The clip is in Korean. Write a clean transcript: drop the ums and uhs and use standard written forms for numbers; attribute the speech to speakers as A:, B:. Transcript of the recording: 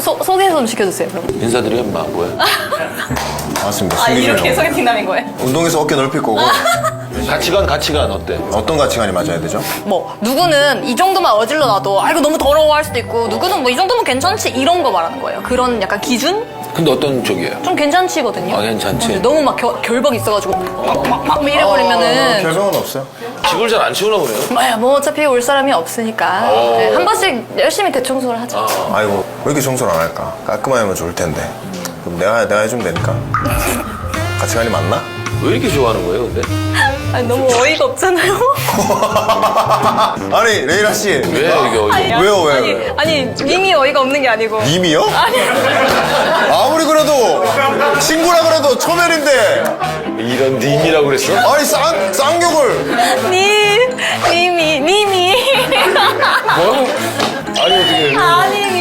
A: 소개 좀 시켜주세요. 그럼.
B: 인사드려 임마 뭐야?
C: 맞습니다.
A: 아 이렇게
C: 승리죠.
A: 소개팅남인 거예요?
C: 운동에서 어깨 넓힐 거고
B: 가치관 어때?
C: 어떤 가치관이 맞아야 되죠?
A: 뭐 누구는 이 정도만 어질러 놔도 아 이거 너무 더러워할 수도 있고 누구는 뭐 이 정도면 괜찮지 이런 거 말하는 거예요. 그런 약간 기준?
B: 근데 어떤 쪽이에요?
A: 좀 괜찮지거든요.
B: 아, 괜찮지.
A: 근데 너무 막 결박 있어가지고 막 이래버리면은
C: 별명은 없어요.
B: 집을 잘 안 치우나 보네요.
A: 뭐 어차피 올 사람이 없으니까 네, 한 번씩 열심히 대청소를 하죠.
C: 아이고 왜 이렇게 청소를 안 할까? 깔끔하게 하면 좋을 텐데. 그럼 내가 해주면 되니까. 가치관이 맞나?
B: 왜 이렇게 좋아하는 거예요 근데?
A: 아니, 너무 어이가 없잖아요.
C: 아니 레이라 씨.
B: 왜 이게 어이가
C: 왜요, 왜?
A: 아니 님이 어이가 없는 게 아니고.
C: 님이요?
A: 아니
C: 아무리 그래도 친구라 그래도 초면인데
B: 이런 님이라고 그랬어?
C: 아니 쌍욕을
A: 님이
B: 뭐? 아니 어떻게
A: 아니